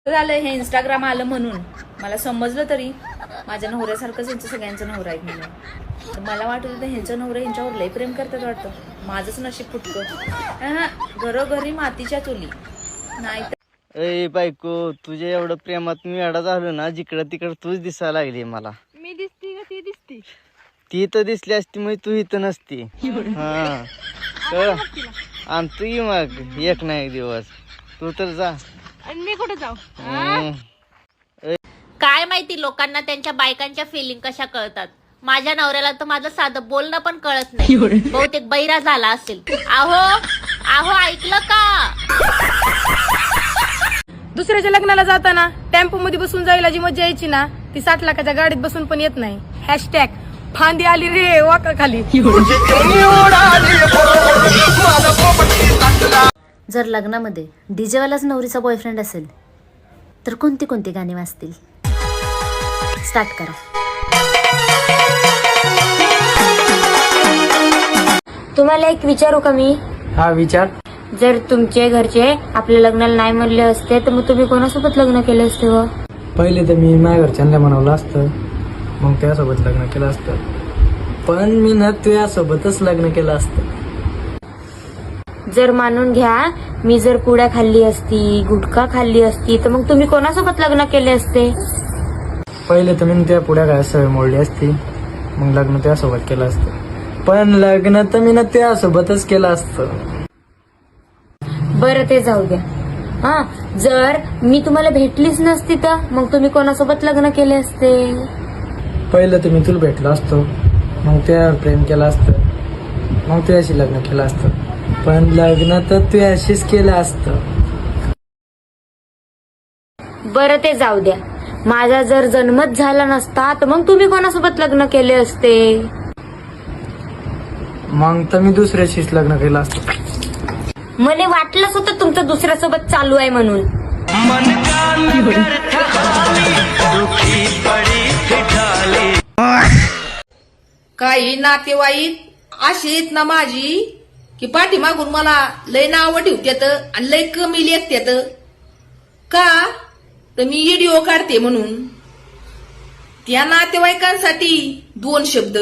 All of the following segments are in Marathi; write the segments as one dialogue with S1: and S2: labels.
S1: झालं हे इंस्टाग्राम आलं म्हणून मला समजलं तरी माझ्या नवऱ्यासारखंच यांचं सगळ्यांचं नवरा आहे म्हणून. तर मला वाटत होतं ह्यांचं नवरा ह्यांच्यावर लय प्रेम करतात वाटतं. माझंच नशीब फुटकं. घरोघरी मातीच्या चुली नाही.
S2: ए बायको, तुझ्या एवढं प्रेमात मी अडा झालो ना, जिकडं तिकडं तूच दिसायला लागली मला.
S3: मी दिसती का ती दिसती?
S2: ती तर दिसली असती मग तू इथं नसती. हा आणतो की मग एक ना एक दिवस. तू तर जा.
S3: आणि मी कुठे जाऊ?
S4: काय माहिती लोकांना त्यांच्या बायकांच्या फिलिंग कशा कळतात. माझ्या नवऱ्याला तर माझं साधं बोलणं पण कळत नाही. बहुतेक बैरा झाला असेल. आहो आहो ऐकलं का?
S3: दुसऱ्याच्या लग्नाला जाताना टेम्पो मध्ये बसून जायला जी मजा यायची ना, ती 60 लाखाच्या गाडीत बसून पण येत नाही. हॅशटॅग फांदी आली रे वाका खाली.
S4: जर लग्नामध्ये डीजेवालाच नवरीचा बॉयफ्रेंड असेल तर कोणती कोणती गाणी वाजतील? स्टार्ट करा.
S5: तुम्हाला एक विचारू का मी?
S2: हा विचार.
S5: जर तुमचे घरचे आपल्या लग्नाला नाही म्हणले असते तर मग तुम्ही कोणासोबत लग्न केले असते? व
S6: पहिले तर मी माझ्या घरच्यांना म्हणवलं असतं, मग त्यासोबत लग्न केलं असतं. पण मी ना तुझ्यासोबतच लग्न केलं असतं.
S5: जर मानून घ्या मी जर पुड्या खाल्ली असती, गुटखा खाल्ली असती तर मग तुम्ही कोणासोबत लग्न केले असते?
S6: पहिले तर मी त्या पुढ्या काय सवय मोडली असती, मग लग्न त्यासोबत केलं असतं. पण लग्न तर मी ना त्यासोबतच केलं असतं.
S5: बरं ते जाऊ द्या. हा, जर मी तुम्हाला भेटलीच नसती तर मग तुम्ही कोणासोबत लग्न केले असते?
S6: पहिलं तर मी तुला भेटलो असतो, मग त्यावर प्रेम केलं असतं, मग तुझ्याशी लग्न केलं असतं. पण लग्न तर तुझ्याशीच केलं असतं.
S5: बरं ते जाऊ द्या. माझा जर जन्मच झाला नसता तर मग तुम्ही कोणासोबत लग्न केले असते?
S6: मग तर मी दुसऱ्याशीच लग्न केलं असतं.
S5: मला वाटलंच होतं तुमचं दुसऱ्यासोबत चालू आहे म्हणून.
S1: काही नातेवाईक अशीत ना माझी की पाठीमागून मला लय नावं ठेवत्यात आणि लय कमी लेखत्यात का तर मी व्हिडिओ काढते म्हणून. त्या नातेवाईकांसाठी 2 शब्द.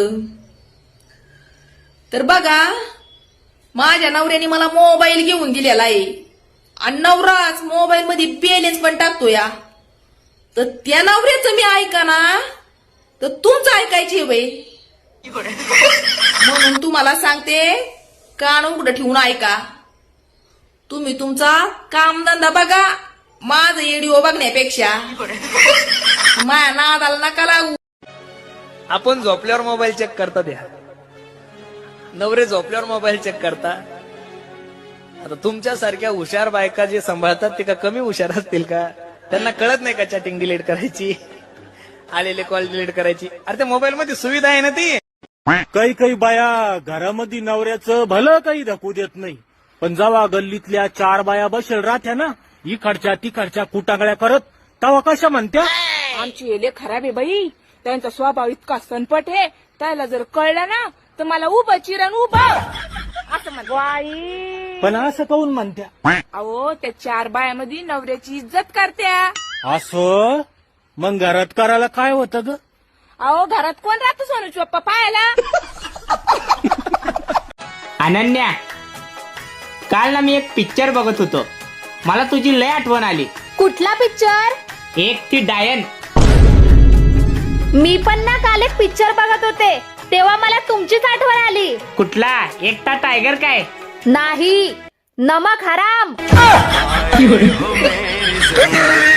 S1: तर बघा, माझ्या नवऱ्याने मला मोबाईल घेऊन दिलेला आहे आणि नवराच मोबाईल मध्ये बॅलन्स पण टाकतो या. तर त्या नवऱ्याचं मी ऐका ना तर तुमचं ऐकायचे बाई. म्हणून तुम्हाला सांगते, कान उघडं ठेवून ऐका. तुम्ही तुमचा कामधंदा बघा माझं व्हिडिओ बघण्यापेक्षा. माझ्या नादाला नका लागू.
S7: आपण झोपल्यावर मोबाईल चेक करता द्या, नवरे झोपल्यावर मोबाईल चेक करता. आता तुमच्यासारख्या हुशार बायका जे सांभाळतात ते का कमी हुशार असतील का? त्यांना कळत नाही का चॅटिंग डिलीट करायची, आलेले कॉल डिलीट करायची? अरे त्या मोबाईल मध्ये सुविधा आहे ना ती.
S8: काही काही बाया घरामध्ये नवऱ्याचं भलं काही धकू देत नाही, पण जेव्हा गल्लीतल्या 4 बाया बसेल राहत्या ना, इकडच्या तिकडच्या कुटागळ्या करत, तेव्हा कशा म्हणत्या?
S3: आमची एले खराब आहे बाई. त्यांचा स्वभाव इतका सनपट आहे, त्याला जर कळलं ना तर मला उभं चिरण उभं असं म्हणतो.
S8: पण असं काऊन म्हणत्या?
S3: अहो त्या 4 बायामध्ये नवऱ्याची इज्जत करत्या.
S8: असं मग घरात करायला काय होतं ग?
S3: अहो घरात कोण राहतो सोनूची पप्पा पाहायला?
S9: अनन्या, काल ना मी एक पिक्चर बघत होतो, मला तुझी लय आठवण आली.
S4: कुठला पिक्चर?
S9: एक ती डायन.
S4: मी पण ना काल एक पिक्चर बघत होते तेव्हा मला तुमचीच आठवण आली.
S9: कुठला? एकटा टायगर काय?
S4: नाही, नमक हराम.